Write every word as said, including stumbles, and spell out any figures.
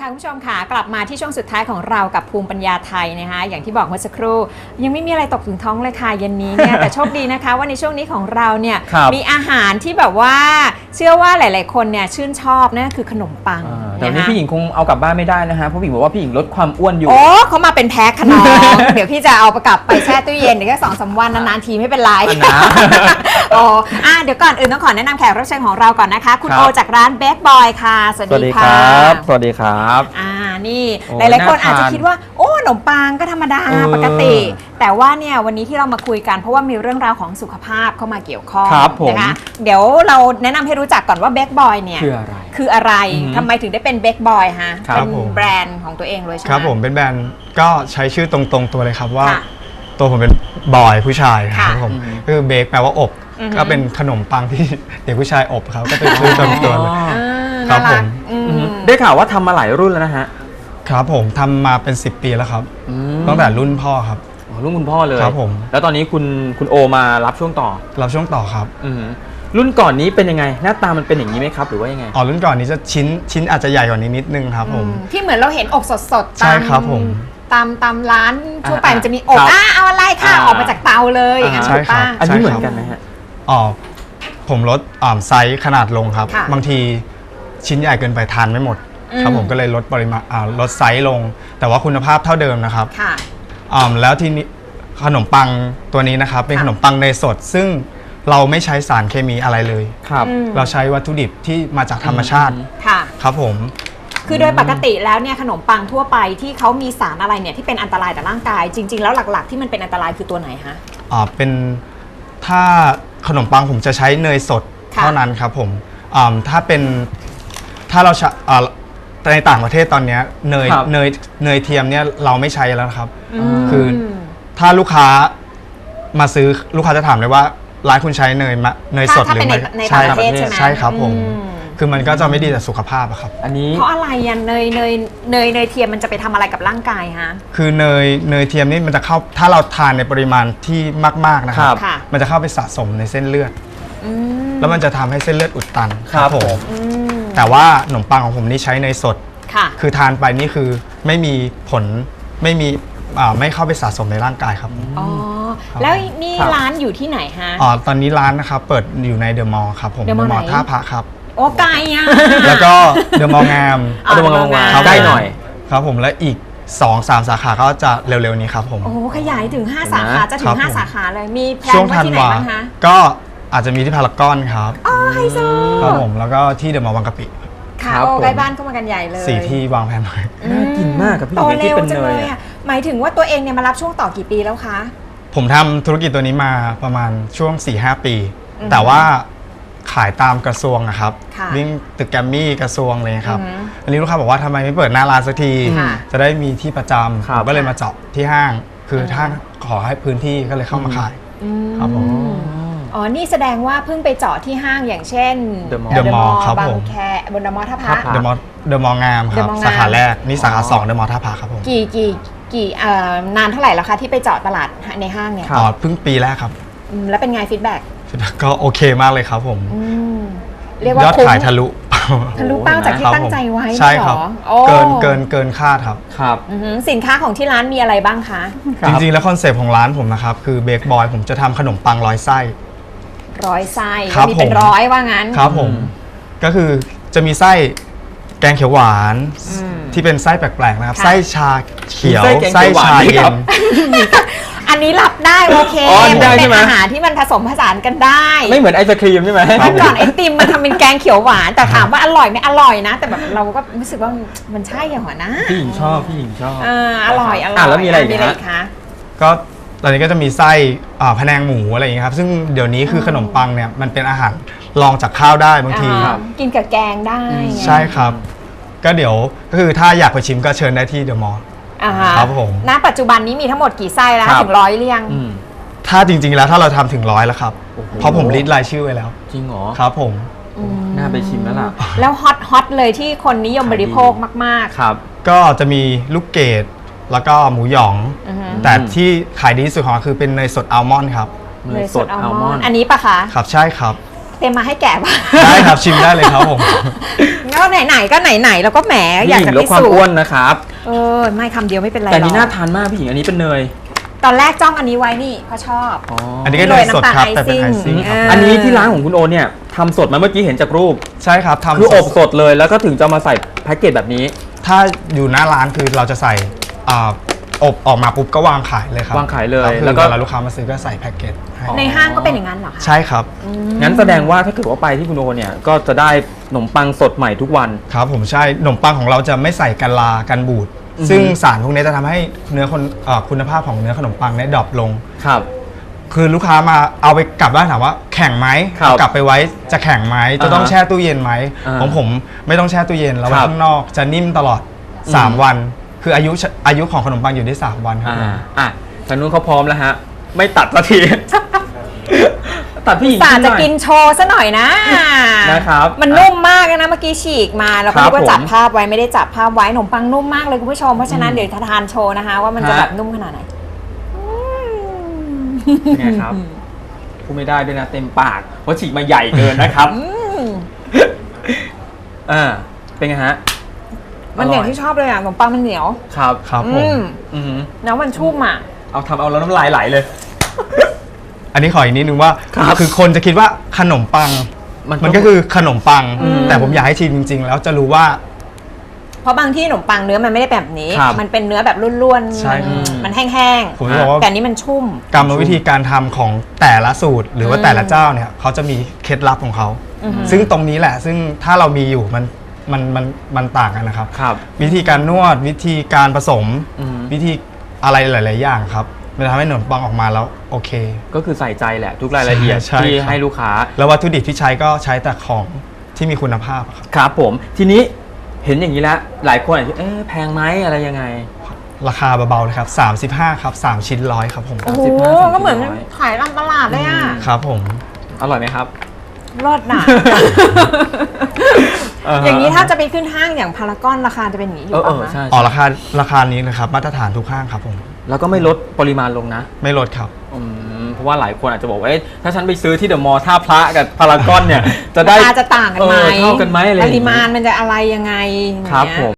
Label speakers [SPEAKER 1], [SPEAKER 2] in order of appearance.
[SPEAKER 1] ค่ะคุณผู้ชมค่ะกลับมาที่ช่วงสุดท้ายของเรากับภูมิปัญญาไทยนะคะอย่างที่บอกเมื่อสักครู่ยังไม่มีอะไรตกถึงท้องเลยค่ะเย็นนี้เนี่ย แต่โชคดีนะคะว่าในช่วงนี้ของเราเนี่ยมีอาหารที่แบบว่าเชื่อว่าหลายๆคนเนี่ยชื่นชอบนั่นคือขนมปัง
[SPEAKER 2] แต่วันนี้พี่หญิงคงเอากลับบ้านไม่ได้นะฮะเพราะพี่หญิงบอกว่าพี่หญิงลดความอ้วนอยู่
[SPEAKER 1] โอ้เขามาเป็นแพ็คขนม เดี๋ยวพี่จะเอากลับไปแช่ตู้เย็นเดี๋ยวแค่สองสามวันนานๆทีไม่เป็นไร
[SPEAKER 2] นะ
[SPEAKER 1] โอ้อ่ะเดี๋ยวก่อนอื่นต้องขอแนะนำแขกรับเชิญของเราก่อนนะคะคุณโอจากร้านเบคบอยค่ะสวัสดีค่ะ
[SPEAKER 2] สวัสดีครับ
[SPEAKER 1] อ่านี่หลายๆคนอาจจะคิดว่าโอ้ขนมปังก็ธรรมดาปกติแต่ว่าเนี่ยวันนี้ที่เรามาคุยกันเพราะว่ามีเรื่องราวของสุขภาพเข้ามาเกี่ยวข้องนะคะเดี๋ยวเราแนะนำให้รู้จักก่อนว่าเบคบอยเนี่ย
[SPEAKER 2] คืออะไร
[SPEAKER 1] คืออะไรทำไมถึงได้เป็นเบคบอยฮะเป็นแบรนด์ของตัวเองเลยใช่ไหม
[SPEAKER 3] ครับผมเป็นแบรนด์ก็ใช้ชื่อตรงๆตัวเลยครับว่าตัวผมเป็นบอยผู้ชายครับผมคือเบคแปลว่าอบก็เป็นขนมปังที่เด็กผู้ชายอบครับก็เป็นชื่อตรงตัวเลยครับผม
[SPEAKER 2] ได้ข่าวว่าทำมาหลายรุ่นแล้วนะฮะ
[SPEAKER 3] ครับผมทำมาเป็นสิบปีแล้วครับตั้งแต่รุ่นพ่อครับ
[SPEAKER 2] รุ่นคุณพ่อเลย
[SPEAKER 3] ครับผม
[SPEAKER 2] แล้วตอนนี้คุณคุณโอมารับช่วงต่อ
[SPEAKER 3] รับช่วงต่อครับ
[SPEAKER 2] รุ่นก่อนนี้เป็นยังไงหน้าตามันเป็นอย่างนี้ไหมครับหรือว่ายังไง
[SPEAKER 3] อ๋อรุ่นก่อนนี้จะชิ้นชิ้นอาจจะใหญ่กว่านี้นิดนึงครับผม
[SPEAKER 1] ที่เหมือนเราเห็นอบสดๆ
[SPEAKER 3] ใช่ครับผม
[SPEAKER 1] ตามตามร้านทั่วไปมันจะมีอบอ่ะเอาอะไรค่ะออกมาจากเตาเลยอย่างนั้นถูกป่ะ
[SPEAKER 2] อันนี้เหมือนกันไหมฮะ
[SPEAKER 3] อ๋อผมลดไซส์ขนาดลงครับบางทีชิ้นใหญ่เกินไปทานไม่หมดครับผมก็เลยลดปริมาณลดไซส์ลงแต่ว่าคุณภาพเท่าเดิมนะครับแล้วที่นี้ขนมปังตัวนี้นะครับเป็นขนมปังเนยสดซึ่งเราไม่ใช้สารเคมีอะไรเลย
[SPEAKER 2] ครับ
[SPEAKER 3] เราใช้วัตถุดิบที่มาจากธรรมชาติ
[SPEAKER 1] ค่ะ
[SPEAKER 3] ครับผม
[SPEAKER 1] คือโดยปกติแล้วเนี่ยขนมปังทั่วไปที่เขามีสารอะไรเนี่ยที่เป็นอันตรายต่อร่างกายจริงๆแล้วหลักๆที่มันเป็นอันตรายคือตัวไหนฮะ
[SPEAKER 3] อ๋อเป็นถ้าขนมปังผมจะใช้เนยสดเท่านั้นครับผมถ้าเป็นถ้าเราในต่างประเทศตอนนี้เนยเนยเนยเทียมเนี่ยเราไม่ใช้แล้วครับคือถ้าลูกค้ามาซื้อลูกค้าจะถามเลยว่าร้านคุณใช้เนยเนยสดหรือไม่
[SPEAKER 1] ใช่ครับ
[SPEAKER 3] ใช่ครับผมคือมันก็จะไม่ดีต่อสุขภาพอะครับ
[SPEAKER 2] อันนี้
[SPEAKER 1] เพราะอะไรอ่ะเนยเนยเนยเนยเทียมมันจะไปทำอะไรกับร่างกายฮะ
[SPEAKER 3] คือเนยเนยเทียมนี่มันจะเข้าถ้าเราทานในปริมาณที่มากๆนะครับมันจะเข้าไปสะสมในเส้นเลือดแล้วมันจะทำให้เส้นเลือดอุดตัน
[SPEAKER 2] ครับผม
[SPEAKER 3] แต่ว่าขนมปังของผมนี่ใช้เนยสดคือทานไปนี่คือไม่มีผลไม่มีไม่เข้าไปสะสมในร่างกายครับ
[SPEAKER 1] อ๋อแล้วนี่ร้านอยู่ที่ไหนฮะ
[SPEAKER 3] อ๋อตอนนี้ร้านนะครับเปิดอยู่ในเดอะมอลล์ครับผมเดอะมอลล์ท่าพระครับ
[SPEAKER 1] โอ้ไกลอ่ะ
[SPEAKER 3] แล้วก็เดอะมอลล์งาม
[SPEAKER 2] เดอะมอลล์งามใกล้หน่อย
[SPEAKER 3] ครับผมและอีก สองสาม สาขาก็จะเร็วๆนี้ครับผม
[SPEAKER 1] โอ้ขยายถึงห้าสาขาจะถึงห้าสาขาเลยมีแพลนว่าที่ไหนบ้างคะ
[SPEAKER 3] ก็อาจจะมีที่พารากอนครับ
[SPEAKER 1] อ๋อไฮโซ
[SPEAKER 3] ครับผมแล้วก็ที่เดอะมอลล์บางกะปิ
[SPEAKER 1] ค่ะโอ้ใกล้บ้านก็มากันใหญ่เลย
[SPEAKER 3] สี่ที่วางแผนไว้
[SPEAKER 2] น่ากินมากกับพี่
[SPEAKER 1] โตเร็วจังเลยอ่ะหมายถึงว่าตัวเองเนี่ยมารับช่วงต่อกี่ปีแล้วคะ
[SPEAKER 3] ผมทำธุรกิจตัวนี้มาประมาณช่วง สี่ห้า ปีแต่ว่าขายตามกระทรวงอะครับวิ่งตึกแกรมมี่กระทรวงเลยครับอันนี้ลูกค้าบอกว่าทำไมไม่เปิดหน้าร้านสักทีจะได้มีที่ประจำก็เลยมาเจาะที่ห้างคือห้างขอให้พื้นที่ก็เลยเข้ามาขายครับผม
[SPEAKER 1] อ๋อนี่แสดงว่าเพิ่งไปเจาะที่ห้างอย่างเช่น
[SPEAKER 3] เดอะมอลล์
[SPEAKER 1] บางแคบนเดอะมอลล์ท่าพระ
[SPEAKER 3] เดอะมอลล์เดอะมอลล์งามครับสาขาแรกนี่สาขาสองเดอะมอลล์ท่าพระครับผม
[SPEAKER 1] กี่กี่กี่นานเท่าไหร่แล้วคะที่ไปเจาะตลาดในห้างเนี่ย
[SPEAKER 3] อ๋อเพิ่งปีแรกครับ
[SPEAKER 1] แล้วเป็นไงฟีดแบ็ก
[SPEAKER 3] ก็โอเคมากเลยครับผม
[SPEAKER 1] เรียกว่าย
[SPEAKER 3] อดขายทะลุ
[SPEAKER 1] ทะลุเป้าจากที่ตั้งใจไว้
[SPEAKER 3] ใช่ครับเกินเกินเกินคาดครับ
[SPEAKER 2] ครับ
[SPEAKER 1] สินค้าของที่ร้านมีอะไรบ้างคะ
[SPEAKER 3] จริงๆแล้วคอนเซปต์ของร้านผมนะครับคือเบคบอยผมจะทำขนมปังร้อยไส้
[SPEAKER 1] ร้อยไส้มีเป็นร้อยว่างั้น
[SPEAKER 3] ครับผมก็คือจะมีไส้แกงเขียวหวานที่เป็นไส้แปลกๆนะครับไส้ชาเขียวไส้ชาเย็น
[SPEAKER 1] อันนี้รับได้โอเคเป็นอาหารที่มันผสมผสานกันได้
[SPEAKER 2] ไม่เหมือนไอศครีมใช่ไหม
[SPEAKER 1] เมื่อก่อนไอติมมันทำเป็นแกงเขียวหวานแต่ถามว่าอร่อยไหมอร่อยนะแต่แบบเราก็รู้สึกว่ามันใช่อย่างหัวนะ
[SPEAKER 2] พี่หญิงชอบพี่หญิงชอบ
[SPEAKER 1] อ่าอร่อยอร่อย
[SPEAKER 2] แล้วมีอะไรอีก
[SPEAKER 1] คะ
[SPEAKER 3] ก็ตอนนี้ก็จะมีไส้พะแนงหมูอะไรอย่างนี้ครับซึ่งเดี๋ยวนี้คือขนมปังเนี่ยมันเป็นอาหารรองจากข้าวได้บางที
[SPEAKER 1] กินกับแกงได้
[SPEAKER 3] ใช่ครับก็เดี๋ยวก็คือถ้าอยากไปชิมก็เชิญได้ที่เดอะมอลล์ครับผม
[SPEAKER 1] ณปัจจุบันนี้มีทั้งหมดกี่ไส้แล้วถึงร้อยหรือยัง
[SPEAKER 3] ถ้าจริงๆแล้วถ้าเราทำถึงร้อยแล้วครับเพราะผมลิสต์รายชื่อไว้แล้ว
[SPEAKER 2] จริงเหรอ
[SPEAKER 3] ครับผม
[SPEAKER 2] น่าไปชิมแล้วล่ะ
[SPEAKER 1] แล้วฮอตฮอตเลยที่คนนิยมบริโภคมาก
[SPEAKER 3] ๆครับก็จะมีลูกเกดแล้วก็หมูหยองแต่ที่ขายดีที่สุดของคือเป็นเนยสดอัลมอนด์ครับ
[SPEAKER 1] เนยสดอัลมอนด์อันนี้ปะคะ
[SPEAKER 3] ครับใช่ครับ
[SPEAKER 1] เตรียมมาให้แกะป่ะ
[SPEAKER 3] ได้ครับชิมได้เลยครับผม
[SPEAKER 1] ก็ไหนๆก็ไหนๆแล้วก็แหมอยาก
[SPEAKER 2] พี่หญิ
[SPEAKER 1] จะ
[SPEAKER 2] งลด
[SPEAKER 1] พิ
[SPEAKER 2] ความ
[SPEAKER 1] สูจ
[SPEAKER 2] อ้วน
[SPEAKER 1] น์
[SPEAKER 2] นะครับ
[SPEAKER 1] เออไม่คำเดียวไม่เป็นไร
[SPEAKER 2] แต่อันนี้
[SPEAKER 1] หร
[SPEAKER 2] น่า
[SPEAKER 1] อก
[SPEAKER 2] ทานมากพี่หญิงอันนี้เป็นเนย
[SPEAKER 1] ตอนแรกจ้องอันนี้ไว้นี่เพราะชอบ
[SPEAKER 2] อ๋อ
[SPEAKER 3] อันนี้ก็เนยสดครับ
[SPEAKER 1] โรยน้ำตาล
[SPEAKER 3] แต่เป็นไอ
[SPEAKER 1] ไอซิ่
[SPEAKER 3] ซิ่
[SPEAKER 1] ง
[SPEAKER 3] งครับ
[SPEAKER 1] เออ
[SPEAKER 2] อันนี้ที่ร้านของคุณโอเนี่ยทำสดมาเมื่อกี้เห็นจากรูป
[SPEAKER 3] ใช่ครับทำ
[SPEAKER 2] คืออบ
[SPEAKER 3] ส
[SPEAKER 2] ส
[SPEAKER 3] ด
[SPEAKER 2] ดเลยแล้วก็ถึงจะมาใส่แพ็กเกจแบบนี้
[SPEAKER 3] ถ้าอยู่หน้าร้านคือเราจะใส่อ่าอบออกมาปุ๊บก็วางขายเลยครับ
[SPEAKER 2] วางขายเลย
[SPEAKER 3] แล้
[SPEAKER 2] แล้ว ว
[SPEAKER 3] ก็
[SPEAKER 2] ก็
[SPEAKER 3] เวลาลูกค้ามาซื้อก็ใส่แพ็กเกจให้
[SPEAKER 1] ในห้างก็เป็นอย่างนั้นเหรอคะ
[SPEAKER 3] ใช่ครับ
[SPEAKER 2] งั้นแสดงว่าถ้าเกิดว่าไปที่คุณโอเนี่ยก็จะได้ขนมปังสดใหม่ทุกวัน
[SPEAKER 3] ครับผมใช่ขนมปังของเราจะไม่ใส่กันลากันบูด
[SPEAKER 2] อือฮึ
[SPEAKER 3] ซึ่งสารพวกนี้จะทำให้เนื้อคนเอ่อคุณภาพของเนื้อขนมปังเนี่ยดรอปลง
[SPEAKER 2] ครับ
[SPEAKER 3] คือลูกค้ามาเอาไปกลับบ้านถามว่าแข็งไหม
[SPEAKER 2] ครับ
[SPEAKER 3] เอากลับไปไว้จะแข็งไหมจะต้อง
[SPEAKER 2] อ่าฮะ
[SPEAKER 3] แช่ตู้เย็นไหม
[SPEAKER 2] อ่า
[SPEAKER 3] ของผมไม่ต้องแช่ตู้เย็นแล้วไว้
[SPEAKER 2] ครับ
[SPEAKER 3] ข้างนอกจะนิ่มตลอด
[SPEAKER 2] อืม
[SPEAKER 3] สาม วัน คืออายุอายุของขนมปังอยู่ได้สามวันครับ
[SPEAKER 2] อ่าอ่ะทางนู้นเขาพร้อมแล้วฮะ ไม่ตัดสักที ตัดพี่หญิง
[SPEAKER 1] สา
[SPEAKER 2] ขึ้นห
[SPEAKER 1] จะ
[SPEAKER 2] น่อย
[SPEAKER 1] กินโชว์ซะหน่อยนะ
[SPEAKER 2] นะครับ
[SPEAKER 1] มันนุ่มมากเลยนะเมื่อกี้ฉีกมาแล้ว
[SPEAKER 2] ครั
[SPEAKER 1] ก็
[SPEAKER 2] บ
[SPEAKER 1] นึกว่าจับ
[SPEAKER 2] ผม
[SPEAKER 1] ภาพไว้ไม่ได้จับภาพไว้ขนมปังนุ่มมากเลยคุณผู้ชมเพราะฉะนั้น
[SPEAKER 2] อืม
[SPEAKER 1] เดี๋ยวจะทานโชว์นะคะ ว่ามันจะ
[SPEAKER 2] ฮะ
[SPEAKER 1] แบบนุ่มขนาดไหน
[SPEAKER 2] เป็นไงครับพูดไม่ได้ด้วยนะเต็มปากเพราะฉีกมาใหญ่เกินนะครับ
[SPEAKER 1] อืม
[SPEAKER 2] อ่าเป็นไงฮะ
[SPEAKER 1] มันอย่างที่ชอบเลยอ่ะขนมปังมันเหนียว
[SPEAKER 2] ครับ
[SPEAKER 3] ครับผ
[SPEAKER 1] อื
[SPEAKER 3] ม
[SPEAKER 1] ม
[SPEAKER 2] อือหือ
[SPEAKER 1] แล้วมันชุ่มอ่ะ
[SPEAKER 2] เอาทำเอาแล้วน้ำลายไหลเลย
[SPEAKER 3] อันนี้ขออีกนิดนึงว่า
[SPEAKER 2] ครับ
[SPEAKER 3] คือคนจะคิดว่าขนมปัง
[SPEAKER 2] มัน
[SPEAKER 3] มันก็คือขนมปัง
[SPEAKER 1] อืม
[SPEAKER 3] แต่ผมอยากให้ชิมจริง ๆ แล้วจะรู้ว่า
[SPEAKER 1] เพราะบางที่ขนมปังเนื้อมันไม่ได้แบบนี้
[SPEAKER 2] ครับ
[SPEAKER 1] มันเป็นเนื้อแบบร่วนๆ
[SPEAKER 3] ใช่
[SPEAKER 1] มัน
[SPEAKER 2] อืม
[SPEAKER 1] มันแห้ง
[SPEAKER 3] ผมจะบอกว่า
[SPEAKER 1] ๆแต่อันนี้มันชุ่ม
[SPEAKER 3] กรรมวิธีการทำของแต่ละสูตร หรือว่า
[SPEAKER 1] อืม
[SPEAKER 3] แต่ละเจ้าเนี่ยเขาจะมีเคล็ดลับของเขา
[SPEAKER 1] อือฮึ
[SPEAKER 3] ซึ่งตรงนี้แหละ ซึ่งถ้าเรามีอยู่มันมันมันมันต่างกันนะครับ
[SPEAKER 2] ครับ
[SPEAKER 3] วิธีการนวดวิธีการผสม
[SPEAKER 2] อืม
[SPEAKER 3] วิธีอะไรหลาย ๆ อย่างครับมันทำให้ขนมปังออกมาแล้วโอเค
[SPEAKER 2] ก็คือใส่ใจแหละทุกรายละเอียด
[SPEAKER 3] ใช่
[SPEAKER 2] ที่
[SPEAKER 3] ครับ
[SPEAKER 2] ให้ลูกค้า
[SPEAKER 3] แล้ววัตถุดิบที่ใช้ก็ใช้แต่ของที่มีคุณภาพครับ
[SPEAKER 2] ครับผมทีนี้เห็นอย่างนี้แล้วหลายคนอาจจะเอ๊ะแพงไหมอะไรยังไง
[SPEAKER 3] ราคาเบา ๆ เลยครับ สามสิบห้า ครับ สาม ชิ้นร้อยครับผม
[SPEAKER 1] โอ้โห
[SPEAKER 2] สิบห้าถึง
[SPEAKER 1] ก็เหมือน
[SPEAKER 2] สี่ร้อย
[SPEAKER 1] ขายตามตลาดเลยอ่ะ
[SPEAKER 3] ครับผม
[SPEAKER 2] อร่อยไหมครับ
[SPEAKER 1] รอดหนา อย่างนี้ถ้าจะไปขึ้นห้างอย่างพารากอนราคาจะเป็นอย่างนี้อ
[SPEAKER 2] เอยู่ อเอ
[SPEAKER 1] ป่ะ
[SPEAKER 2] อ
[SPEAKER 1] คะ
[SPEAKER 2] ใช่
[SPEAKER 3] อ๋อราคาราคานี้นะครับมาตรฐานทุกห้างครับผม
[SPEAKER 2] แล้วก็ไม่ลดปริมาณลงนะ
[SPEAKER 3] ไม่ลดครับ
[SPEAKER 2] อืมเพราะว่าหลายคนอาจจะบอกว่าเอ๊ะถ้าฉันไปซื้อที่เดอะมอลล์ท่าพระกับพารากอนเนี่ย จะได้
[SPEAKER 1] ราคาจะต่างกันไหม
[SPEAKER 2] เออเท่ากันไหมอะไรอ
[SPEAKER 1] ป
[SPEAKER 2] ย่างงี้
[SPEAKER 1] ริมาณมันจะอะไรยังไงอย่าง
[SPEAKER 2] ครับ
[SPEAKER 1] เงี้ย
[SPEAKER 2] ผม